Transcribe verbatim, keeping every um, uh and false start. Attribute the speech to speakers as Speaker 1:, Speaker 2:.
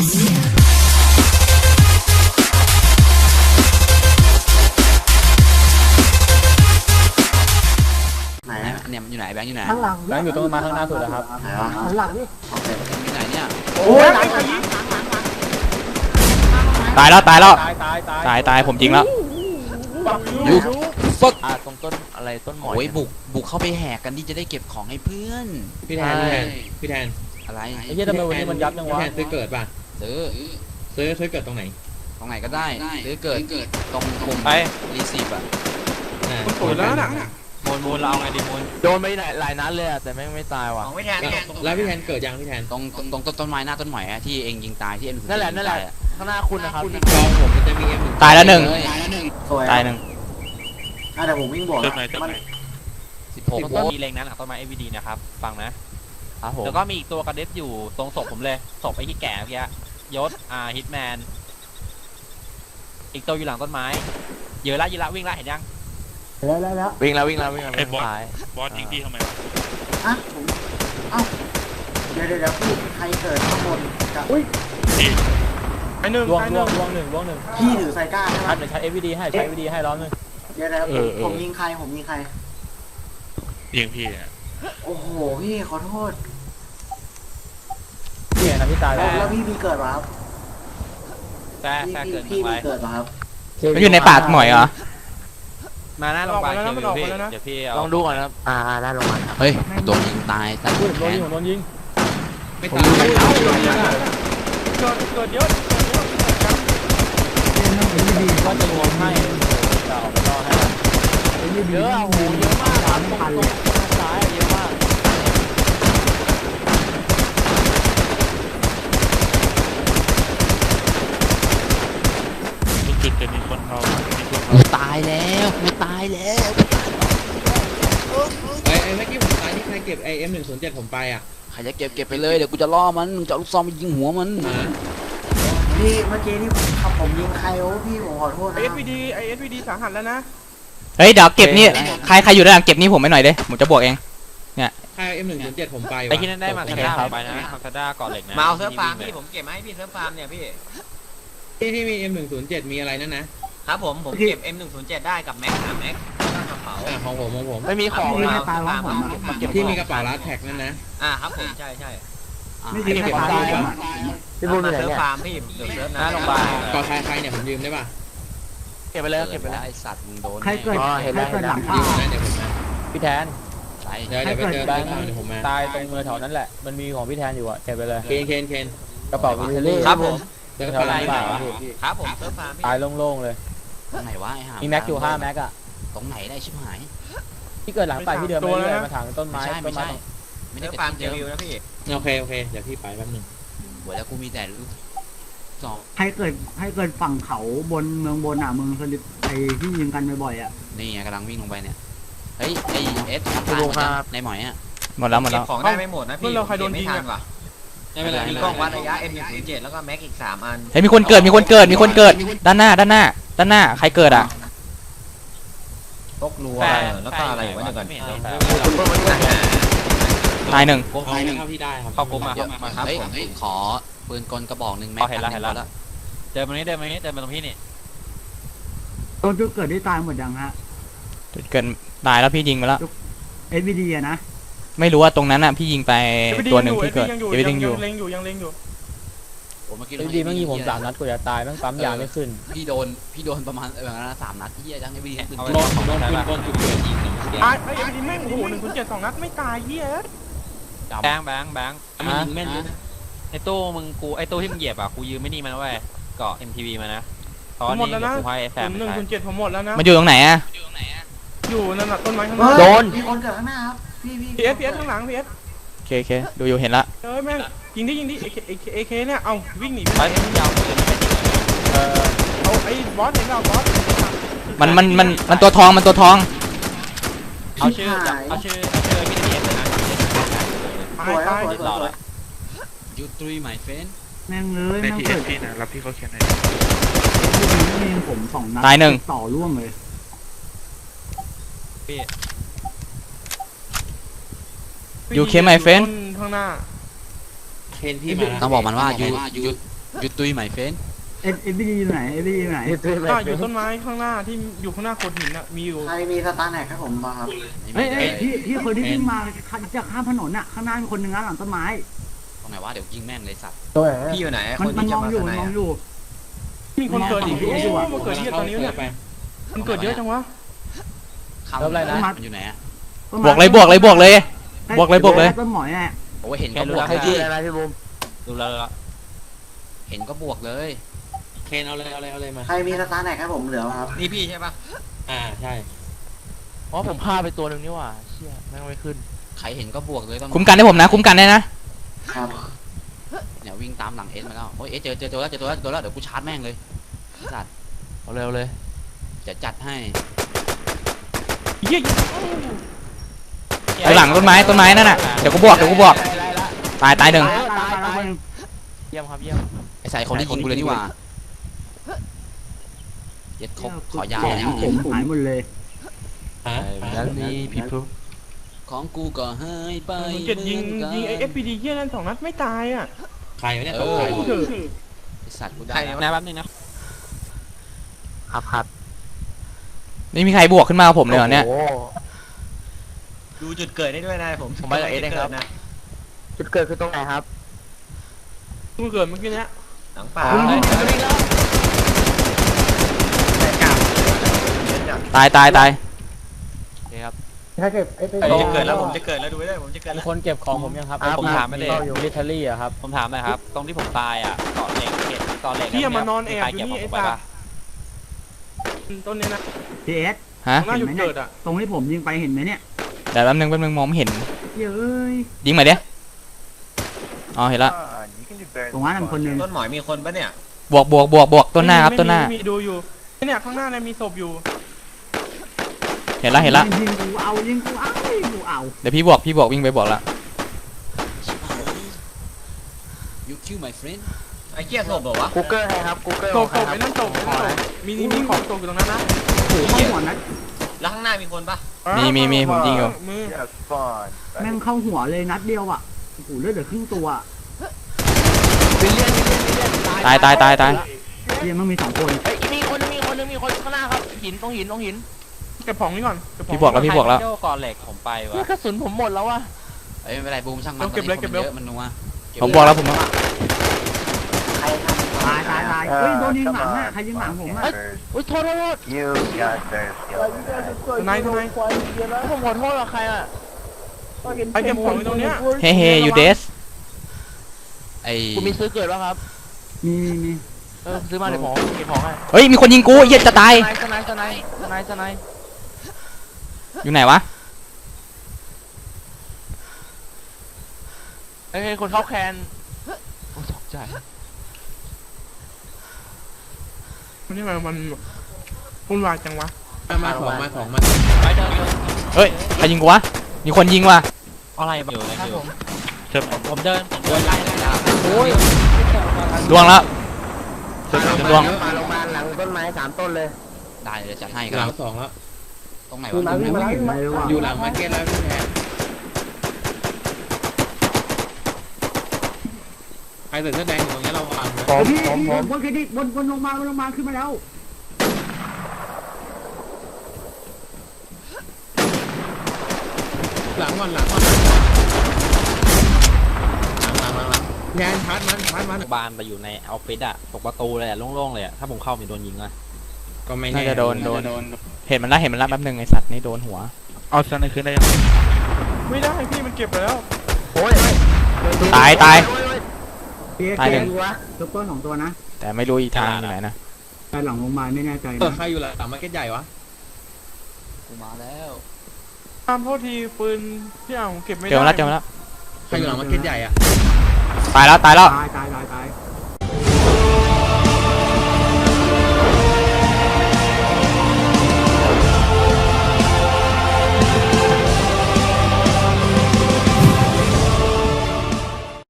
Speaker 1: ไหนเนี่ยมันอยู่ไหนแบงค์อยู่ไหน
Speaker 2: ข้างหลัง
Speaker 3: แบงค์อยู่ตรงมาข้างหน้าสุดนะครับ
Speaker 1: ไหนวะ
Speaker 2: ข้างหลังนี่
Speaker 1: อยู่ไหนเนี่ย
Speaker 2: โอ้ยหลังหลัง
Speaker 4: ตายแล้วตายแล้ว
Speaker 3: ตายตายตาย
Speaker 4: ตายตายผมจริงแล้ว
Speaker 1: ยูฟึก
Speaker 5: อ่าตรงต้นอะไรต้นหมอน
Speaker 1: โอ้ยบุกบุกเข้าไปแหกกันที่จะได้เก็บของให้เพื่อน
Speaker 6: พี่แทนพี่แทนพี่แทน
Speaker 1: อะไร
Speaker 3: ไอ้เหี้ยทำไมวันนี้มันยับจัง
Speaker 6: พี่
Speaker 3: วะ
Speaker 6: แทนซื้อเกิดป่ะ
Speaker 1: ซื้อ
Speaker 6: ซื้อซื้อเกิดตรงไหน
Speaker 1: ตรงไหนก็ได้ซื้อเกิดตรงปุ่ม
Speaker 5: ไป
Speaker 1: รีซีฟอะ
Speaker 6: อ่า
Speaker 2: สวยแล้วน่ะ
Speaker 5: มูลมูลเราเอาไงดีมูลโดนไปหลายหลายนัดเลยอะแต่แม่งไม่ตายว่ะ
Speaker 6: แล้วแล้วพี่แทนเกิดยังพี่แทน
Speaker 1: ตรงตรงตรงต้นไม้หน้าต้นหมอยอะที่เองยิงตายที่เอ็ม
Speaker 5: นั่นแหละนั่นแหละข้างหน้าคุณนะครับ
Speaker 6: จองผมมันจะมีเอ็มหนึ่ง
Speaker 4: ตายแล้วหนึ่ง
Speaker 2: สวย
Speaker 4: ตายหนึ่ง
Speaker 2: อ่ะเดี๋ยวผมวิ่งบวกมัน
Speaker 1: สิบหก
Speaker 5: ตรง
Speaker 1: โว
Speaker 5: ต้น
Speaker 1: ลต์
Speaker 5: มีเลงนั้นหลังต้นไม้ เอ วี ดี นะครับฟังนะครับ
Speaker 4: ผม
Speaker 5: แล้วก็มีอีกตัวกระเด็บอยู่ตรงศพผมเลยศพไอ้ที่แก่เมื่อกี้ยศอ่าฮิตแมนอีกตัวอยู่หลังต้นไม้เยอะละเยอะละวิ่งละเห็นยัง
Speaker 2: แล้วแล้วแล้ว
Speaker 5: วิ่งแล้ววิ่งแล้ววิ่งแล้ว
Speaker 7: ไอ้บอส
Speaker 5: ซ้าย
Speaker 7: บอสยิงพี่ทำไมวะ
Speaker 2: อ่ะผมเอ้าเดี๋ยวเดี๋ยวเดี๋ยวพี่ใครเกิดข้างบนกับ
Speaker 7: พี่
Speaker 3: ไอ้หนึ่งล่วงล่วงล่วงหนึ่งล่วงหนึ่ง
Speaker 2: พี่ถือไซก้าใช่ไหม
Speaker 3: ชัดเดี๋ยวใช้ เอ วี ดี ให้ใช้ เอ วี ดี ให้ล้อมหนึง
Speaker 2: เดี๋ยวเดี๋ยวผมผมยิงใครผมยิงใคร
Speaker 7: ยิงพี่อะ
Speaker 2: โอ้โหพี่ขอโทษ
Speaker 3: พี่เห็นนะพี่ตายแล้ว
Speaker 2: แล้วพี่มีเกิดเหรอครับ
Speaker 5: แซ่
Speaker 2: พี่
Speaker 5: แซ่
Speaker 2: พี่
Speaker 5: เกิด
Speaker 2: พี่
Speaker 5: ไป
Speaker 2: มีเกิดเหรอครับ
Speaker 4: มันอยู่ในป่าหมอยเหรอ
Speaker 5: มาหน้าโรงพยาบาลเดี๋ยวพี่เดี๋ยวพี่ลองดูก่อนนะครับ
Speaker 2: อ่าได้ลงมาครับ
Speaker 1: เฮ้ยโดนยิงตายแต่
Speaker 3: พูดโด
Speaker 1: แข
Speaker 3: น
Speaker 1: น
Speaker 3: ยิงผมโดนยิง
Speaker 6: ไม่ตายไม่ตาย
Speaker 3: เกิดเกิดเยอะก็จะรวมให้จะออกไปรอให้เยอะโอ้โหเยอะมากครับตรงตรงซ้ายเยอะมาก
Speaker 7: ทุกจุดจะมีคนเข้ามีคนเข้า
Speaker 1: กูตายแล้วกูตายแล้ว
Speaker 6: ไอ้ไอ้เมื่อกี้ผมตายที่ใครเก็บไอเอ็มหนึ่งศูนย์เจ็ดผมไปอ่ะ
Speaker 1: ใครจะเก็บเก็บไปเลยเดี๋ยวกูจะล่อมันมึงจะเอาลูกซองไปยิงหัวมัน
Speaker 2: พี่เมื่อกี้ที่ผมขับผมยิงใครโอ้พี่ผมขอโทษนะ
Speaker 8: ไอเอสวีดีไอเอสวีดีสาหัสแล้วนะ
Speaker 4: เฮ้ยเดี๋ยวเก็บนี่ใครใครอยู่ด้านหลังเก็บนี่ผมไปหน่อยเด้ผมจะบวกเอง
Speaker 6: ใครเอ็มหนึ่งศูนย์เจ็ดผมไป
Speaker 5: ไอ้ที่นั่นได้มาซาด้าไปนะมาซาด้าก่อนเหล็กนะ
Speaker 9: มาเอาเซิร์ฟฟาร์มพี่ผมเก็บมาให้พี่เซิร์ฟฟาร์มเนี่ยพี่
Speaker 6: ที่ที่มีเอ็มหนึ่งศูนย์เจ็ดมีอะไรนั่นนะครับ
Speaker 9: ผมผมเก็บ เอ็มหนึ่งศูนย์เจ็ด ได้กับแม็กซ์แม็กซ์แล้วก็กระเป๋า
Speaker 6: อ่าของผมของผม
Speaker 5: ไม่มีของ
Speaker 2: พี่
Speaker 5: นะ
Speaker 2: ให้ตายของผมอะ
Speaker 9: มาเก็บ
Speaker 6: ที่มีกระเป๋าลัดแท็กนั่นนะ
Speaker 9: อ่าครับผมใช่ใช่
Speaker 2: ไม่ใช่ให้ตายผมอะ
Speaker 9: พี่บุญเซิร์ฟฟาร์มพี่เดี๋ยวเซิร์ฟ
Speaker 5: ห
Speaker 9: นะ
Speaker 5: น้าโรงพยาบาล
Speaker 6: กอใครใครเนี่ยผมยืมได้ป่ะ
Speaker 5: เก็บไปเลยเก็บไปเลย
Speaker 1: ไอสัตว์มึงโดน
Speaker 2: ใครเกิดใครเกิดหลัง
Speaker 6: ยื
Speaker 2: ป่าม
Speaker 6: นะเดี๋ยวผมมา
Speaker 3: พี่แทน
Speaker 1: ใช่
Speaker 6: เดี๋ยวเดี๋ยวไปเจอ
Speaker 3: แบ
Speaker 6: เดี๋
Speaker 3: ง
Speaker 6: ยว
Speaker 3: ค์
Speaker 6: เดี๋ยวผมมา
Speaker 3: ตายตรงมือแถวนั้นแหละมันมีของพี่แทนอยู่อะเก็บไปเลย
Speaker 6: เคนเคนเคน
Speaker 3: กระเป๋าวิลเล่
Speaker 9: ครับผม
Speaker 6: เดี๋ยว
Speaker 3: แถ
Speaker 6: ไป
Speaker 3: วร้านเปล่า
Speaker 9: ครับผมเซิร์ฟฟาร์มพี่
Speaker 3: ตายโล่งๆเลย
Speaker 1: ตรงไหนวะไอ้ห่า
Speaker 3: มีแม็กอยู่ห้าแม็กอะ
Speaker 1: ตรงไหนได้ชิบหาย
Speaker 3: ที่เกิดหลังไปที่เดิมไปเรื่อยมาถางต้นไม้
Speaker 1: ไม่ใช่
Speaker 3: ต้
Speaker 1: ไม่
Speaker 3: นไม้
Speaker 1: ใช่ไม่ได้
Speaker 9: เซิร์ฟ
Speaker 1: เกิด
Speaker 9: ฟาร์ม
Speaker 1: ที่
Speaker 9: เจ
Speaker 1: เดิม
Speaker 9: วิวนะพี่
Speaker 6: โอเคโอเคเดี๋ยวพี่ไปแป๊บนึง
Speaker 1: หัวแล้วกูมีแต่ลูกซอง
Speaker 2: ใครเกิดให้เกิดฝั่งเขาบนเมืองบนอ่ะเมืองสลิปไอ้ที่ยิงกันบ่อยๆอ่ะ
Speaker 1: นี่ไงกำลังวิ่งลงไปเนี่ยเฮ้ยไอเอสทับตายหมดยังในหมอยอะ
Speaker 4: หมดแล้วหมด
Speaker 9: เก็
Speaker 4: แล้
Speaker 9: บ
Speaker 4: ว
Speaker 9: ของได้ไม่หมดนะพี่
Speaker 8: เราใครโดนยิง
Speaker 9: ไม่
Speaker 8: อะ
Speaker 9: ทันว่ะ
Speaker 6: ไม่เป็นไร
Speaker 9: มีกล้องวัดระยะ เอ็มหนึ่งศูนย์เจ็ด แล้วก็แม็กอีกสามอัน
Speaker 4: เฮ้ยมีคนเกิดมีคนเกิดมีคนเกิดด้านหน้าด้านหน้าด้านหน้าใครเกิดอ่ะ
Speaker 9: ตกรัวแล้วก็อะไรอยู่วะเดี๋ยวก่อน
Speaker 4: ตายหนึ่ง
Speaker 6: เอาเข้าที่ได้ครับ
Speaker 5: เข้ากลุ่มมา
Speaker 1: เยอะ
Speaker 5: มาครับ
Speaker 1: เฮ้ย
Speaker 5: ผม
Speaker 1: ขอปืนกลกระบอกหนึ่งแม็
Speaker 5: อ๋
Speaker 1: ก
Speaker 5: อเห็นแล้วเห็นแล้ว เดินมานี้เดินมานี้เดินมาตรงพี่นี่
Speaker 2: โดนจุดเกิดได้ตายหมดยังฮะ
Speaker 4: จุดเกิดตายแล้วพี่ยิงไปแล้ว
Speaker 2: เอสวีดีอะนะ
Speaker 4: ไม่รู้ว่าตรงนั้นอ่ะพี่ยิงไป
Speaker 8: เอสวีดี
Speaker 4: ตัวหนึ่ง
Speaker 8: ยังอยู่
Speaker 4: ที่เกิด
Speaker 8: ยังอยู่
Speaker 4: เอวิ
Speaker 8: ยั
Speaker 4: ทิ้งอยู่
Speaker 8: งเล็งอยู่ยังเล็งอยู่
Speaker 1: โอ้เมื่อกี้
Speaker 3: ไอ้ดีมันยิงผมสามนัดกูจะตายแม่งปั๊มยาไม่ขึ้น
Speaker 1: พี่โดนพี่โดนประมาณแบบนั้นสามนัดที่ยังไงพี่ปืน
Speaker 5: เอา
Speaker 1: ก
Speaker 5: ไป
Speaker 1: ล
Speaker 6: โดนโดนปืนกลจุดเกิดยิงหนึ่ง
Speaker 8: ไอ้ไอเอสวีดีแม่งโอ้โหหนึ่งศูนย์เจ็ดสองนัดไม่ตายเหี้ย
Speaker 5: แบงค์แบงค์แบงค์
Speaker 6: มันยิงแม่นเลย
Speaker 5: ไอ้ตู้มึงกูไอ้ตู้ที่มึงเหยียบอ่ะกูยืมไม่นี่มันไว้เกาะ เอ็ม ที วี มานะตอนนี้เดี๋ยวกูให้แซ
Speaker 8: ผม มหนึ่งศูนย์เจ็ดผมหมดแล้วนะ
Speaker 4: มันอยู่ตรงไหนอ่ะ
Speaker 8: อยู่นั่นน่ะต้นไม้ข้างห
Speaker 2: เฮ้
Speaker 8: น้าย
Speaker 4: โดน
Speaker 2: มีคนเกิดข้างหน้าครับพี่พี่
Speaker 8: พีเอสพีเอสข้างหลังพีเอส
Speaker 4: โอเคโอเคดูอยู่เห็นละ
Speaker 8: เอ้ยแม่งยิงดิยิงดิเอเคเอเคเนี่ยเอาวิ่งหนี
Speaker 5: ไป
Speaker 8: ไป
Speaker 5: ยาวเลยไม่เป็น
Speaker 3: เออ
Speaker 8: เอาไอ้บอสเห็นเราบอส
Speaker 4: มันมันมันมันตัวทองมันตัวทอง
Speaker 5: เอาชื่อเอาชื่อเอาชื่อพี่เอสเลยนะ
Speaker 8: ตา
Speaker 2: ส
Speaker 8: ย
Speaker 2: วยครั
Speaker 8: ตา
Speaker 2: บ
Speaker 8: ย
Speaker 2: สวยสวยสวย
Speaker 1: ยูทรีหมายเฟน
Speaker 2: แม่งเลย
Speaker 7: ใน
Speaker 2: แม่ง
Speaker 7: ทีเอ
Speaker 2: เกิ
Speaker 7: ส
Speaker 2: ด
Speaker 7: พี่นะรับพี่เขาเขียนใน
Speaker 2: ยิงผมสองนัด
Speaker 4: ตายหนึ่ง
Speaker 2: ต่อร่วงเลย
Speaker 4: You came my friend
Speaker 8: ข้างหน้า
Speaker 6: เคนพี่มา
Speaker 1: ต้องบอกมันว่ายูยูหยุดตุยใหม่เฟน
Speaker 2: เอ็ดเอ็ดบีดีอยู่ไหนเอ็ดบีดีอยู่ไหน
Speaker 8: อ่าอยู่ต้นไม้ข้างหน้าที่อยู่ข้างหน้าโขดหินอ่ะมีอยู่
Speaker 2: ใครมีสตาร์แหนกครับผมมาครับ
Speaker 1: ไม่
Speaker 2: เอ้ย
Speaker 1: มี
Speaker 2: เอ้ยพี่พี่คนที่วิ่งมาจะข้ามถนนอ่ะข้างหน้ามีคนหนึ่งนะหลังต้นไม้
Speaker 1: ตรงไหนวะเดี๋ยวยิงแม่งเลยสัตว์
Speaker 9: พี่อยู่ไหน
Speaker 2: มัน
Speaker 9: คน
Speaker 2: มัน
Speaker 9: ที่
Speaker 2: ม
Speaker 9: จะ
Speaker 2: อง
Speaker 9: มา
Speaker 2: อยู่
Speaker 9: ส
Speaker 2: มัน
Speaker 9: นาม
Speaker 2: องอยู่
Speaker 8: มีคนเกิดอีกโอ้โหมันเกิดที่ตอนนี้เนี่ย
Speaker 6: ไป
Speaker 8: มันเกิดเยอะจังวะ
Speaker 1: เข้าอะไรนะมันอยู่ไหนอะ
Speaker 4: บวกเลยบวกเลยบวกเลย บวกเลยบวกเลย
Speaker 2: ต้นหมอยอ่ะ
Speaker 1: โอ้ยเห็น
Speaker 5: แค่
Speaker 1: ก็บ
Speaker 5: รู้
Speaker 1: ว
Speaker 5: แล้
Speaker 1: ก
Speaker 5: ว
Speaker 1: เลย
Speaker 5: พี่อะไรพี่บูมดูแล้วแล้ว
Speaker 1: เห็นก็บวกเลย
Speaker 6: เคนเอาเลยเอาเลยเอาเลยมา
Speaker 2: ใครมีสตาร์แหนกครับผมเหลือครับ
Speaker 9: นี่พี่ใช่ปะ
Speaker 6: อ่าใช่
Speaker 3: อ๋อผมฆ่าไปตัวหนึ่งนี่หว่าเชี่ยแม่งไม่ขึ้น
Speaker 1: ใครเห็นก็บวกเลยต้อง
Speaker 4: คุ้มกันให้ผมนะ คุ้มกันได้นะ
Speaker 2: ครับ
Speaker 1: เนี่ยวิ่งตามหลังเอสมาแล้วโอ้ยเอสเจอเจอตัวแล้วเจอตัวแล้วเจอตัวแล้วเดี๋ยวกูชาร์จแม่งเลยสัตว์
Speaker 3: เอาเร็วเลย
Speaker 1: จะจัดให้
Speaker 8: เยี่ย
Speaker 4: อยู่หลังต้นไม้ต้นไม้นั่นน่ะ เดี๋ยวกูบวกเดี๋ยวกูบวก ตายตายหนึ่ง
Speaker 2: ตายตายตาย
Speaker 3: เยี่ยมครับเยี่ยม
Speaker 1: ไอ้ใส่คนที่ยิงกูเลยนี่หว่าเย็ดครบขอยาว
Speaker 2: แข
Speaker 1: เลย
Speaker 2: นผมหายหมดเลย
Speaker 6: ฮะ
Speaker 3: แล้วนี่พี่พลุ
Speaker 1: ของกูก็หายไป
Speaker 8: เจ็ดยิง
Speaker 1: หมืนกัน
Speaker 8: ยิงไอเอฟพีดีเยี่ยนั่นสองนัดไม่ตายอ่ะ
Speaker 6: ใครวะเนี่ย
Speaker 1: เอ
Speaker 6: ตก
Speaker 1: อ
Speaker 6: ใจ
Speaker 8: เถอะ
Speaker 1: ไอ้สัตว์กูได้
Speaker 5: ใคร
Speaker 1: แล้ว
Speaker 5: นะแป๊บนึงนะ
Speaker 3: ครับครับ
Speaker 4: ไม่มีใครบวกขึ้นมากับผมเลยเหรอเนี่ย
Speaker 3: โอ้
Speaker 9: ดูจุดเกิดได้ด้วยนายผม
Speaker 3: ผมไปกับเอสเองครับ
Speaker 9: นะ
Speaker 3: จุดเกิดคือตรงไหนครับ
Speaker 8: มึงเกิดเมื่อกี้เนี้ย
Speaker 9: หลังป่า
Speaker 3: อ๋อ
Speaker 9: แต่กลับ
Speaker 4: ตายตายตาย
Speaker 3: โอเคครับ
Speaker 2: ถ้าเก็บไอ้ไป
Speaker 9: ผมจะเกิดแล้วผมจะเกิดแล้วดูได้ผมจะเกิดแล้ว
Speaker 3: คนเก็บของผมยังครับ
Speaker 5: ผมถามไม่ได้
Speaker 3: อยู่มิลิเทอรี่อะครับ
Speaker 5: ผมถามหน่อยครับ ตรงที่ผมตายอ่ะเกาะเหล็กเกตเกาะเหล็ก
Speaker 8: เที่ยมานอนแอบ
Speaker 5: ใคร
Speaker 8: อยู่
Speaker 5: เก็บ
Speaker 8: นี่
Speaker 5: ของ
Speaker 8: ไอ้
Speaker 5: ผมไป
Speaker 8: สัต
Speaker 5: ปะ
Speaker 8: ว์ต้นนี้นะ
Speaker 2: พีเอส
Speaker 4: ฮะ
Speaker 8: ข้างหน้าหยุดเกิดอ่ะ
Speaker 2: ตรงที่ผมยิงไปเห็นไหมเนี่ย
Speaker 4: เดี๋ยวแป๊บนึงแป๊บนึงมองไม่เห็น
Speaker 2: เย้ย
Speaker 4: ยิงมาเด้อ๋อเห็นละ
Speaker 2: ตรงนั้นคนหนึ่ง
Speaker 9: ต้นหมอยมีคนปะเนี่ย
Speaker 4: บวกบวกบวกบวกต้นหน้าครับต้นหน้า
Speaker 8: มีดูอยู่เนี่ยข้างหน้าเนี่ยมีศพอยู่
Speaker 4: เห็นละเห็นละ
Speaker 2: ยิงกูเอายิงกูเอายิงกูเอา
Speaker 4: เดี๋ยวพี่บวกพี่บวกวิ่งไปบวกละ
Speaker 1: ยูคิว my friend
Speaker 9: ไอ้เกี้ยศพเหรอวะ
Speaker 3: กูเกอร์ให้ครับกูเกอร์
Speaker 8: ศพศพไอ้นั่นศพไอ้นั่นศพมีมีของตกอยู่ตรงนั้นนะ
Speaker 2: โอ้โหเข้าหัวนะ
Speaker 9: แล้วข้างหน้ามีคนปะ
Speaker 4: มีมีมีผมยิงอยู่
Speaker 8: มือ
Speaker 2: แม่งเข้าหัวเลยนัดเดียวอ่ะโอ้โหเลือดเหลือครึ่งตัว
Speaker 4: ตายตายตายตาย
Speaker 2: เยังมันมีสองคน
Speaker 3: เฮ้ยมีคนนึงมีคนนึงมีคนข้างหน้าครับหินตรงหินตรงหิน
Speaker 8: เก็บของนี่ก่อนเก็บของ
Speaker 4: พี่บวกแล้วพี่บวกแล้ว
Speaker 5: ใครเที่ยเกาะเหล็กผมไปวะ
Speaker 3: เนี่ยกระสุนผมหมดแล้ววะ
Speaker 1: เอ้ยไม่เป็นไรบูมช่างมัน
Speaker 8: เก็บเลยเก็บเลย
Speaker 1: เยอะมันนัวเ
Speaker 4: ผมบวกแล้วผมบวก
Speaker 2: ตายตายตายเฮ้ยโดนยิงหลังอ่ะใครยิงหลังผมอ่ะ
Speaker 3: อุ้ยโทษโทษโทษ
Speaker 8: ทนายทนาย
Speaker 3: ผมขอโทษกับใครอ่ะ
Speaker 8: ไอเก็บของอยู่ตรงเนี้ย
Speaker 4: เฮ้เฮ้ยูเดส
Speaker 1: ไอ้
Speaker 3: กูมีซื้อเกิดแล้วครับ
Speaker 2: มีมีมี
Speaker 3: เออซื้อมาเดี๋ยวผมเก็บของให้
Speaker 4: เฮ้ยมีคนยิงกูเหี้ย็ดจะตาย
Speaker 3: สไนส์สไนส์สไนส์สไนส์
Speaker 4: อยู่ไหนวะ
Speaker 3: เฮ้ยคนเข้าแคนโอ้ตกใจ
Speaker 8: มันนี่มันมันวุ่นวายจังวะ
Speaker 6: มามาของมาของมา
Speaker 5: ไปเดินเดิน
Speaker 4: เฮ้ยใครยิงกูวะมีคนยิงว่ะ
Speaker 5: อะไรอยู่ใน
Speaker 3: ครับ
Speaker 5: ฟิ
Speaker 3: ผ
Speaker 5: ว
Speaker 3: ม
Speaker 7: เชิญ
Speaker 5: ผมเดินผมเดินไล่ไล่ไล่
Speaker 3: โอ้ย
Speaker 4: ดวงแล้ว
Speaker 7: เชิญ
Speaker 4: ดวง
Speaker 3: มาโรงพยาบาลหลังต้นไม้สามต้นเลย
Speaker 1: ได้เลยจัดให้
Speaker 6: ห
Speaker 1: กั
Speaker 6: ลั
Speaker 1: น
Speaker 6: งสองแล้ว
Speaker 1: ตรงไหน
Speaker 2: ตรง
Speaker 1: วะ
Speaker 2: นั้นไม่เห็นเลยว่ะ
Speaker 6: อยู่หลังมาร์เก็ตแล้วพี่แทนใครใส่เสื้อแดงอยู่ตรงนี้เราวางนะ
Speaker 3: ผม
Speaker 2: พี่
Speaker 3: ผมผม
Speaker 2: บนเครดิตบนบนลงมาบนลงมาขึ้นมาแล้ว
Speaker 6: หลังก่อนหลังก่อนหลังหลังหลังหลังแทนพัดมันพัดมัน
Speaker 5: บานไปอยู่ในออฟฟิศอะตกประตูเลยอะโล่งๆเลยอะถ้าผมเข้ามีโดนยิงอะ
Speaker 6: ก็ไม่
Speaker 4: น่า
Speaker 6: แน่
Speaker 4: จะโดนโดนเห็นมันละเห็นมันละแป๊บนึงไอสัตว์นี่โดนหัว
Speaker 7: เอาสไนคืนได้ยัง
Speaker 8: ไม่ได้พี่มันเก็บไปแล้ว
Speaker 3: โอ้ย
Speaker 4: ตายตาย
Speaker 2: พี่
Speaker 4: ตายหนึ่ง
Speaker 2: วะซุปเปอร์สองตัวนะ
Speaker 4: แต่ไม่รู้อีกทางอยู่ไหนนะ
Speaker 2: แต่หลังโรงพยาบาลไม่แน่ใจ
Speaker 6: เออ
Speaker 2: นะ
Speaker 6: ใครอยู่หลังมาร์เก็ตใหญ่วะ
Speaker 1: กูมาแล้ว
Speaker 8: ตามโทษทีปืนที่เอาเก็บไม่ได้
Speaker 4: เจอมาแล้วเจอมาแล้ว
Speaker 6: ใครอยู่หลังมาร์เก็ตใหญ่อะ
Speaker 4: ตายแล้วตายแล้ว
Speaker 2: ตายตายตายตาย